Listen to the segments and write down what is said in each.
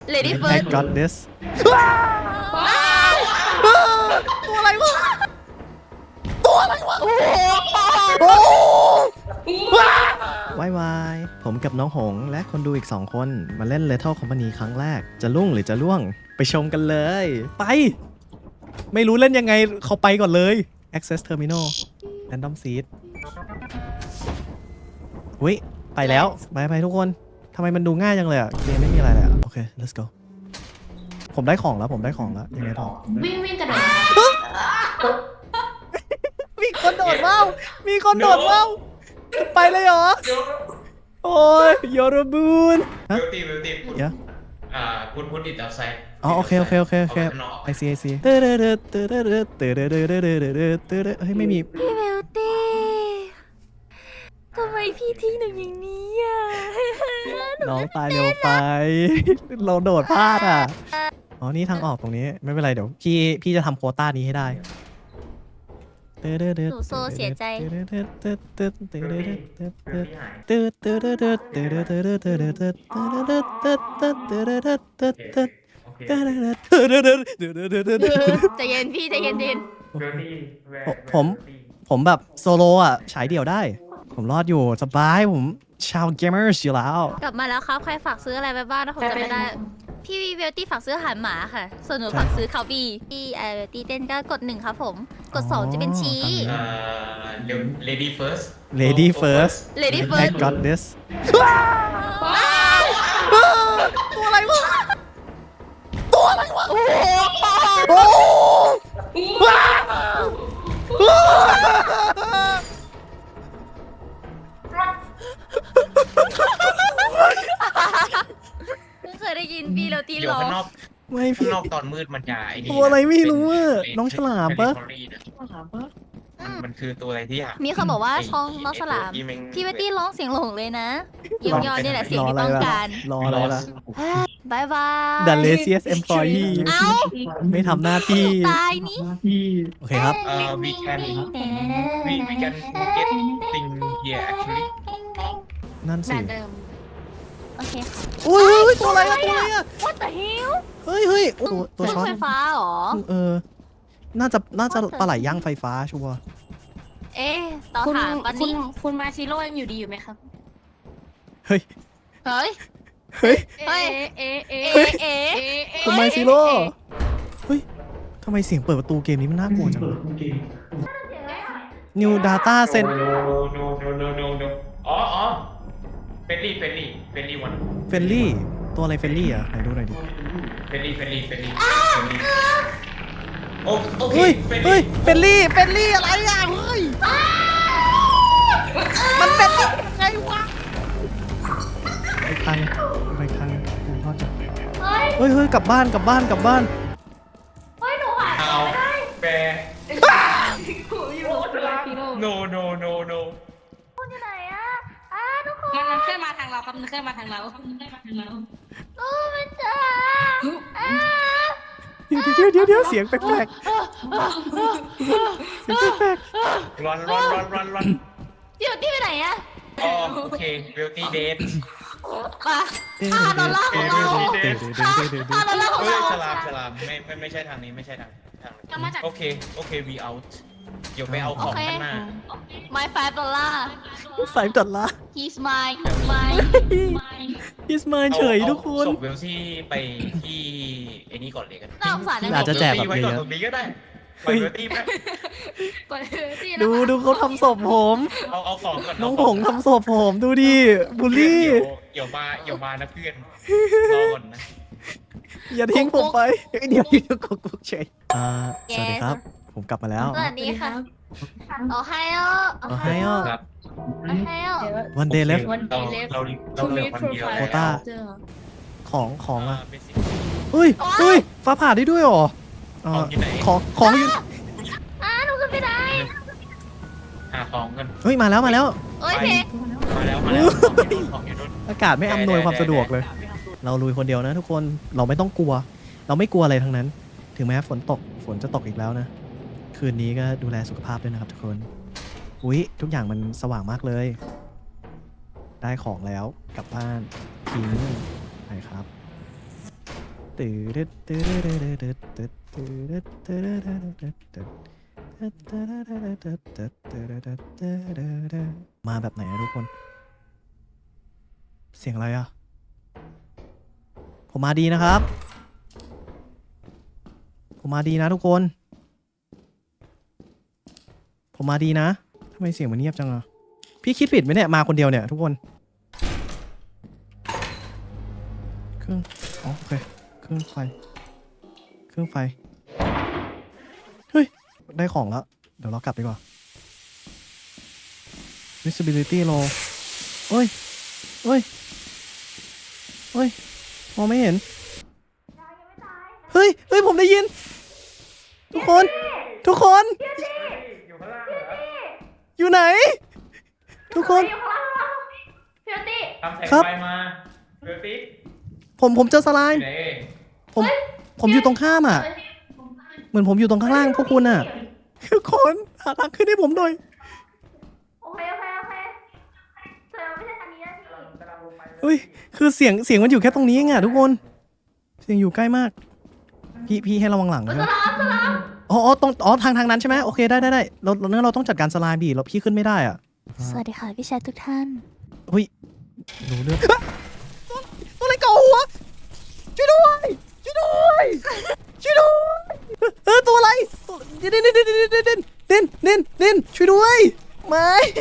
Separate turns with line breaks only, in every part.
Lady
I
First
got this ตัวอะไรวะโอ้วายผมกับน้องหงและคนดูอีก2คนมาเล่น Lethal Company ครั้งแรกจะลุ่งหรือจะล่วงไปชมกันเลยไปไม่รู้เล่นยังไงเขาไปก่อนเลย Access Terminal Random Seed อุ้ยไปแล้วไปทุกคนทำไมมันดูง่ายจังเลยอ่ะเกมไม่มีอะไรเลยอ่ะโอเค let's go ผมได้ของแล้วยังไงต่อ
วิ่งกระโดด
มีคนโดดว่าวไปเลยเหรอโอ้ยยอรบูนฮะ
Beauty คุณ
เดี๋ยว
คุณดิดเอาไซด์
อ๋อโอเคไอซีเฮ้ยไม่มี
พี่เบลตี้ทำไมพี่ทิ้งหนูอย่างนี้อ่ะ
น้องตายเร็วไป เราโดดพลาดอ่ะอ๋อนี่ทางออกตรงนี้ไม่เป็นไรเดี๋ยวพี่จะทำโควต้านี้ให้ได้
หนูโซเสียใจ ใจเย็นพี่ใจเย็น
ผมแบบโซโลอ่ะฉายเดี่ยวได้ ผมรอดอยู่สบายผมชาวเกมเมอร์อยู่แล้ว
กลับมาแล้วครับใครฝากซื้ออะไรไปบ้างนะผมจำไม่ได้พี่เวลตี้ฝากซื้ออาหารหมาค่ะส่วนหนูฝากซื้อคาฟี่ที่เวลตี้เต้นก็กด1ครับผมกด2จะเป็นชี้
Lady First
Lady First
Lady
I
First
got this ตัวอะไรวะโอ้
เพิ่งเคยได้ยินพี่เวลตี้
เดี๋ยว
ร้อง
ข้างนอก
ไม่
ข้าง
พี่
นอกตอนมืดมันจะไอ้นี่
ตัวอะไรไม่รู้อะน้องฉลามปะ
มันคือตัวอะไรที่อยาก
มีคนบอกว่าช่องน้องฉลามพี่เวลตี้ร้องเสียงหลงเลยนะเยี่ยมยอดนี่แหละเสียงที่ต้องการ
รออะไรล่ะ
บายบาย
The laziest employee
เอ้า
ไม่ทำหน้าที่
ตายนี่
โอเคครับ
we can get thing here actually
นั่นสิ
แบบเดิม
โอเคค่ะ
อุ้ยตัวอะไรอะ
What the hell
เฮ้ยตัวช็อต
ไฟฟ้าเหรอ
น่าจะปลาไหลย่างไฟฟ้าชัวร์
เอ๊ะต่อ
คุณ
ถามตอนนี้
คุณมาชิโร่ยังอยู่ดีอยู่ไหมครับ
เฮ้ย
เฮ้ย
เฮ้ย
เฮ้ย
เอ๊ะ
เอ๊ะเอ๊ะ
คุณไมซิโร่เฮ้ยทำไมเสียงเปิดประตูเกมนี้มันน่ากลัวจัง New Data Set
noอ๋อเฟลลี่วัน
เฟลลี่ตัวอะไรเฟลลี่อ่ะไหนดูหน่อยดิ
เฟลลี่โอเค
เฮ้ยเฟลลี่อะไรอ่ะเฮ้ยมันเป็นยังไงวะไปทางกูรอดจ้ะเฮ้ยกลับบ้าน
เอาแปร no
ไหนอะทุกคน
มันเคลื่อนมาทางเราครับมันเคลื่อนมาทางเรา
โอ้มันจ้า
เดี๋ยวเสียงแปลกเสียงแปลก
run
เดี๋ยวนี่ไปไหนอะ
อ๋อโอเค beauty date
มาดอลลาร์ของเราดอลลาร์ของ
เฮ้ย
เรา
ฉลามไม่ใช่ทางนี้โอเคwe out เดี๋ยวไปเอาของข้างหน้า
My $5
ใส่ตัดละ
He's mine
He's mine เฉยทุกคน
ส่งเวลซี่ไปที่ไอ้นี่ก่อนเลยกัน
น่าสงสารนะ
อาจจะแจกแบบ
ไว้
นี้
ก่อนตรงนี้ก็ได้ไปเวลตี้ไหม
กดที่
ดูเขาทำศพผม
เอาของก่อน
น้องผงทำศพผมดูดิบูลลี่
เดี๋ยวมานะเพื่อนรอก่อนนะ
อย่าทิ้งผมไปเดี๋ยวกุ๊กเฉยสวัสดีครับ ผมกลับมาแล้ว
สวัสดีค่ะโอไฮโอ
ครับ
โอไฮโอ
วันเดย์เลฟ
เราเหลือวันเดียว
โควต้า ของอะ
เบสิก
เฮ้ยฟ้าผ่าได้ด้วยเหรอของอยู่
หนูขึ้นไม่ได้
หาของกัน
เฮ้ยมาแล้ว
โอเค
มาแล้วของอยู่นู่น
อากาศไม่อำนวยความสะดวกเลย เราลุยคนเดียวนะทุกคนเราไม่ต้องกลัว เราไม่กลัวอะไรทั้งนั้น ถึงแม้ฝนจะตกอีกแล้วนะ คืนนี้ก็ดูแลสุขภาพด้วยนะครับทุกคนอุ๊ยทุกอย่างมันสว่างมากเลย ได้ของแล้วกลับบ้านทิ้งไปครับมาแบบไหนอะทุกคน เสียงอะไรอะผมมาดีนะครับ ผมมาดีนะทุกคน ผมมาดีนะทำไมเสียงมันเงียบจังอะพี่คิดผิดไหมเนี่ยมาคนเดียวเนี่ยทุกคนเครื่องอ๋อโอเคเครื่องไฟเฮ้ยได้ของแล้วเดี๋ยวเรากลับดีกว่า visibility low เฮ้ยมองไม่เห็นเฮ้ยผมได้ยินทุกคนอยู่ไหนทุกคน
ทำแสง
ครับ
ไฟมาเบิวตี้
ผมเจอสไล
อยู่
ม์
ไหน
ผมอยู่ตรงข้ามอ่ะ เหมือนผมอยู่ตรงข้างล่างพวกคุณอ่ะทุกคนหาทางขึ้นให้ผมหน่อย
โอเคเธอไม่ใช่ทางนี้นะพี่
เฮ้ยคือเสียงมันอยู่แค่ตรงนี้เองอ่ะทุกคนเสียงอยู่ใกล้มากพี่ให้ระวังหลังนะอ๋อตรงทางนั้นใช่ไหมโอเคได้เราต้องจัดการสไลม์บีเราพี่ขึ้นไม่ได้อ่ะ
สวัสดีค่ะพี่ชายทุกท่าน
เฮ้ยรู้เรื่องตัวอะไรเกาหัวช่วยด้วยตัวอะไรเด่นช่วยด้วยไม่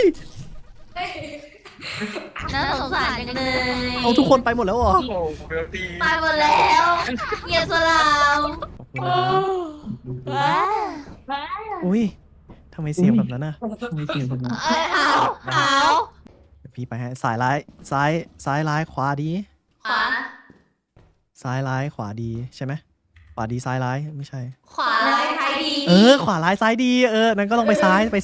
น่าสงสารจังเลย
เอาทุกคนไปหมดแล้วเหรอ
โอ้เบิวตี้
ตายหมดแล้วเหยียบสลาม
ขอบคุณนะครับอุ้ยทำไมเสียงแบบนั้นน่ะ
หาว
เดี๋ยวพี่ไปให้ซ้ายร้ายขวาดี
ขวา
ซ้ายร้ายขวาดีใช่ไหมขวาดีซ้ายร้ายไม่ใช่
ขวาซ้ายดี
ขวาร้ายซ้ายดีนั้นก็ลองไปซ้าย
เหมือน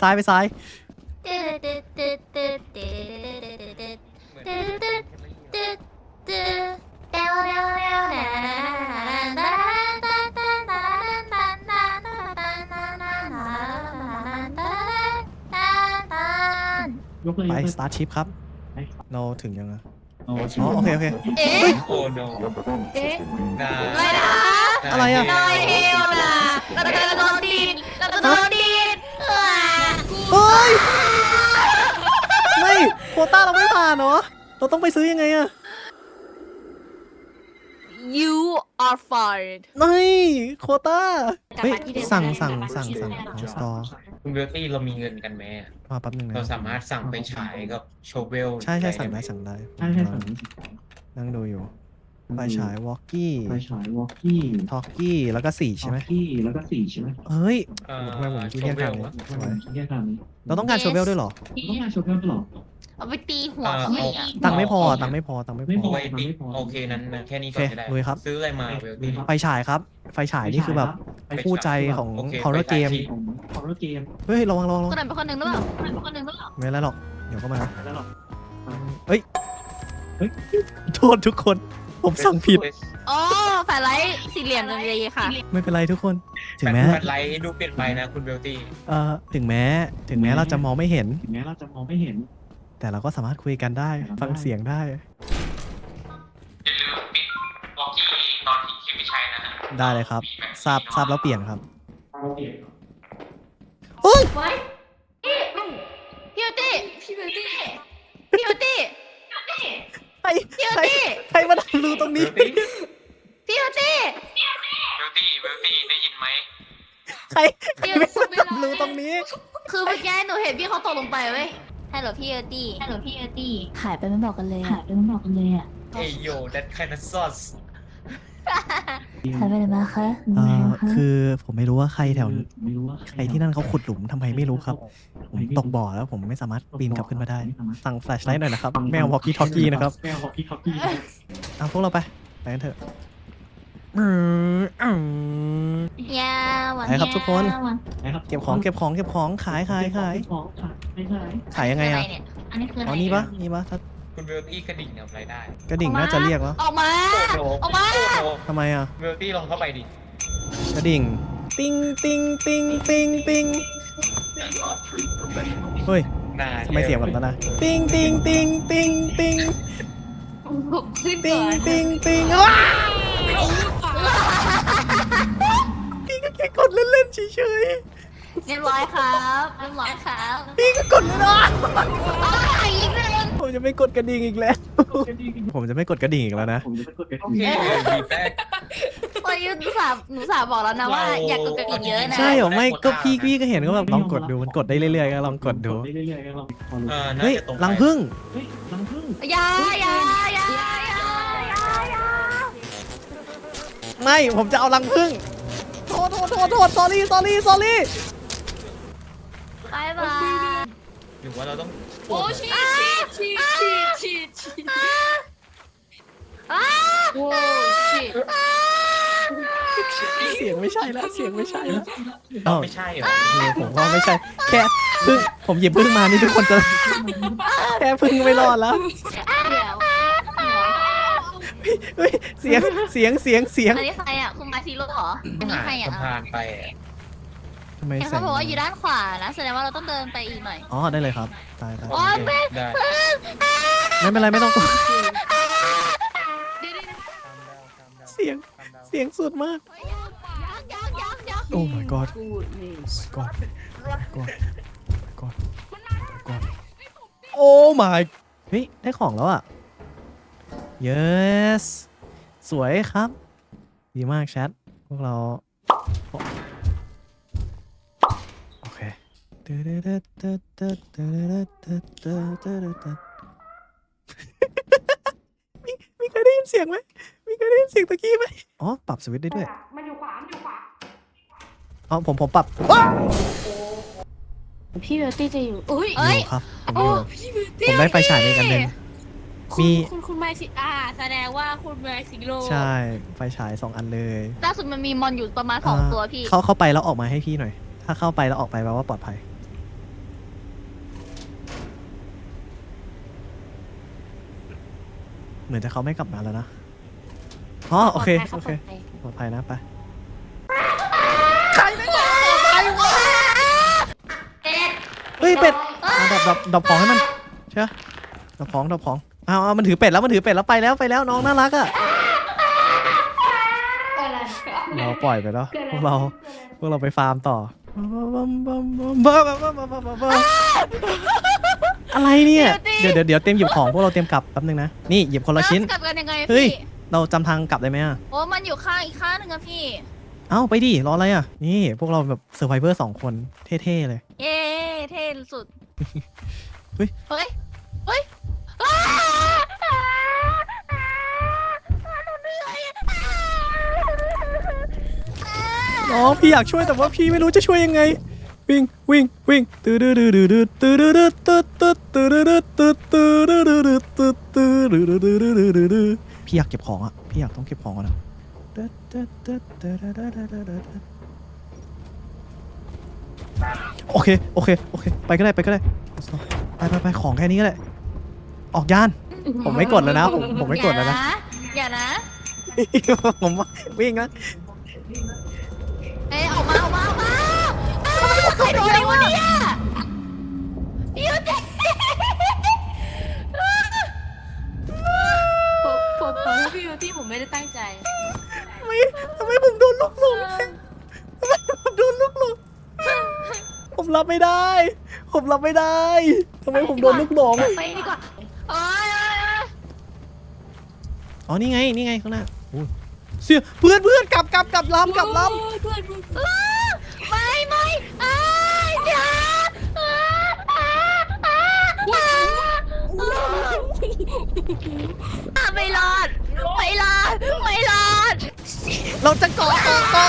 ไปสตาร์ทชิปครับเราถึงยังอ่ะ
อ๋อ
อ๋อโอเค
เอ๊ะ
โอ้โน
เอ๊ะ
นา
ไม่นะ
อะไรอะ
น้อยเดียวนะเราจะโดนดีด
เฮ้ยไม่โควต้าเราไม่ผ่านเหรอเราต้องไปซื้อยังไงอะ
You are fired
ไม่โควต้าเฮ้ยสั่งสตอร์
คุณเบิวตี้เรามีเงินกันไหมอะ
มาแป๊บนึงนะ
เราสามารถสั่งไปฉายกับโชเวล
ใช่สั่งได้
ใช่สั่ง
นั่งดูอยู่ไฟฉายวอลกี้
ไฟฉายวอลกี้
ทอกกี้แล้วก็4ใช่ไหม
กี้แล้วก็4ใช่ไหม
เฮ้ย
เอ่อ
ทำไมผมคิดแค่ทางนี้
โช
ส
เว
วย
ล
ฉันแยกทางนี้
เราต้องการโชเวลด้วยเหรอ
ต้องการโชว์เพิ่มหรอ
เอาไปตีหัว
เอ่อ
เขา
เอา
อีก
ตังค์ไม่พอ
ไม่พ
เอา
อ
ไว้ติโอเคนั้นแค่นี้ก่อนก็ได้
โอเคลุยครับ
ซื้ออะไรมาเวลตี้
ไฟฉายครับ ไฟฉายนี่คือแบบคู่ใจของ
โอเค
ฮอร์เรอร์เกม
ของฮอร์เรอร์เกม
เฮ้ยระวัง
คนไหนเป็นคนหนึ่งหรือเปล่า
ไม่เป็นไรหรอกเดี๋ยวก็มา
แล้วหรอ
โทษทุกคน ผมสั่งผิด
อ๋อแฟลไลท์สี่เหลี่ยมเลยค่ะ
ไม่เป็นไรทุกคน ถึงแม้
แฟลชไลท์ดูเปลี่ยนไปนะคุณเบลตี้
ถึงแม้เราจะมองไม่เห็น
ถึงแม้เราจะมองไม่เห็น
แต่เราก็สามารถคุยกันได้ ฟังเสียงได้
อย่าลืมปิดวอลกี้ตอนที่ไม่ใช้นะฮะ
ได้เลยครับ ทราบแล้วเปลี่ยนครับ
เราเปลี่ยน
เฮ้ย
ไว้พี่บิวตี้
ใครมาทำรูตรงนี้
เบลตี้
พี่บิวตี้
เบลตี้ได้ยินไหม
ใครมาทำรูตรงนี้
คือเมื่อกี้หนูเห็นพี่เขาตกลงไปเว้ยฮัลโหลพี่เอร์ตี้หายไปไม่บอกกันเลยอะ
เฮ้ยโย่ that kind of sauce
หายไปไหนมาคะ
คือผมไม่รู้ว่าใครแถว
ไม่รู้ว่า
ใครที่นั่นเขาขุดหลุมทำไมไม่รู้ครับ ผมตกบ่อแล้วผมไม่สามารถปีนกลับขึ้นมาได้ สั่งแฟลชไลท์หน่อยนะครับ ไม่เอาวอลกี้ทอกกี้นะครับ
ไม่เอาวอลกี้ท็อกกี้
เอาพวกเราไปกันเถอะ
ยาวัน
ไปครับทุกคน
นะครับ
เก็บของขาย
ของขาย
ขายยังไงอะ
อันนี้คืออะไร
อ๋อนี่ปะถ้า
คุณเบลตี้กระดิ่งทำอะไรได้
กระดิ่งน่าจะเรียกวะ
ออกมา
โอ้โห
ออกมา
โอ้โห
ทำไมอะ
เบลตี้ลองเข้าไปดิ
กระดิ่งติ้งเฮ้ย
น่า
ทำไมเสียงแบบนั้นนะติ้ง
ขึ้นก่อน
ว้าเฉย
เรียบร้อยครับเรียบร้อยครับ
พี่ก็กดเลยนะ
อีกหนึ่ง
ผมจะไม่กดกระดิ่งอีกแล้ว ผมจะไม่กดกระดิ่งอีกแล้วนะ
ผมจะไม่กดกระ
โอ
ดิ่ง
เควีแบ็ก
ตอนนี้หนูสาบอกแล้วนะว่าอยากกดกระดิ่งเยอะนะ
ใช่เหรอไม่ก็พี่ก็เห็นก็แบบลองกดดูมันกดได้เรื่อยๆก็ลองกดดู
เรื่อยๆก็ลองพอรู้
น่า
เฮ้ย
จะตรงไป
รังพึ่ง
เฮ้ยรังผึ้ง
อย่า
ไม่ผมจะเอารังพึ่งโทษ sorry
บายบาย
หรือว่าเราต้อง
โอ้ชีชีโอ้ชี
เสียงไม่ใช่แล้วเสียงไม่ใช่แล้ว
ต้องไม่ใช่เหรอ
ผมว่าไม่ใช่แค่พึ่งผมหยิบพึ่งมานี่ทุกคนจะแค่พึ่งไม่รอดแล้ว
เดี๋ยว
เฮ้ยเสียง
อันนี้ใครอ่ะคุณมาซีโร่เหรออันนี้ใครอ่ะ
สะพานไปอะ
ทำไม
เห็น
เสีย
เขา
ง
บอกว่าอยู่ด้านขวานะแสดงว่าเราต้องเดินไปอีกหน่อย
อ๋อได้เลยครับตาย
โอ๊ยแม่
ได้
ไม่เป็นไรไม่ต้องกลัวเสียงสุดมาก
ยัง
โอ้ my godโอ้ my เฮ้ยได้ของแล้วอ่ะ yes สวยครับ ดีมากแชทพวกเรา โอเคมีใครได้ยินเสียงไหมมีใครได้ยินเสียงตะกี้ไหมอ๋อปรับสวิตช์ได้ด้วยมันอยู่ขวาอ๋อผมปรับ
พี่เบลตี้จะอยู่อุ้ย
อยู่ครับผมอยู่ผมได้ไฟฉายในกันหนึ่งมี
คุณมาชิแสดงว่าคุณมาซิโร่
ใช่ไฟฉาย2 อันเลย
ล่าสุดมันมีมอนอยู่ประมาณ2ตัวพี่
เข้าไปแล้วออกมาให้พี่หน่อย ถ้าเข้าไปแล้วออกไปแปลว่าปลอดภัย เหมือนจะเขาไม่กลับมาแล้วนะอ๋อโอเคปลอดภัยนะไป เฮ้ยเป็ดดับของให้มันใช่ไหมดับของเอามันถือเป็ดแล้วไปแล้วน้องน่ารักอ่ะเราปล่อยไปแล้วพวกเราไปฟาร์มต่ออะไรเนี่ยเดี๋ยวเตรียมหยิบของพวกเราเตรียมกลับแป๊บนึงนะนี่หยิบคนละชิ้น
กลับกันยังไง
เฮ้ย
พี่
เราจำทางกลับได้ไหมอ่ะ
โอ้มันอยู่ข้างอีกข้างหนึงอะพี่
เอ้าไปดิรออะไรอ่ะนี่พวกเราแบบเซอร์ไวเวอร์2 คนเท่ๆเลย
เย้เท่สุด
เฮ้ย
เฮ้ย
น้องพี่อยากช่วยแต่ว่าพี่ไม่รู้จะช่วยยังไง วิ่งพี่อยากเก็บของอ่ะพี่อยากต้องเก็บของก่อนนะโอเคไปก็ได้ไปของแค่นี้ก็ได้ออกยานผมไม่กดแล้วนะผมไม่กดแล้วนะ
อย่านะ
ผมวิ่งนะ
เอ้ยออกมาใครโดนวะเนี่ยพี่ยูเจ๊
ผมขอโทษพี่เบลตี้ผมไม่ได้ตั้งใจ
ทำไมผมโดนลูกหลงผมรับไม่ได้ทำไมผมโดนลูกหลง
ไปดีกว่าโอ๊ย
อ๋อนี่ไงข้างหน้าเสียเพื่อนกลับลำ
ไม่อย่าไม่รอด
เราจะเกาะ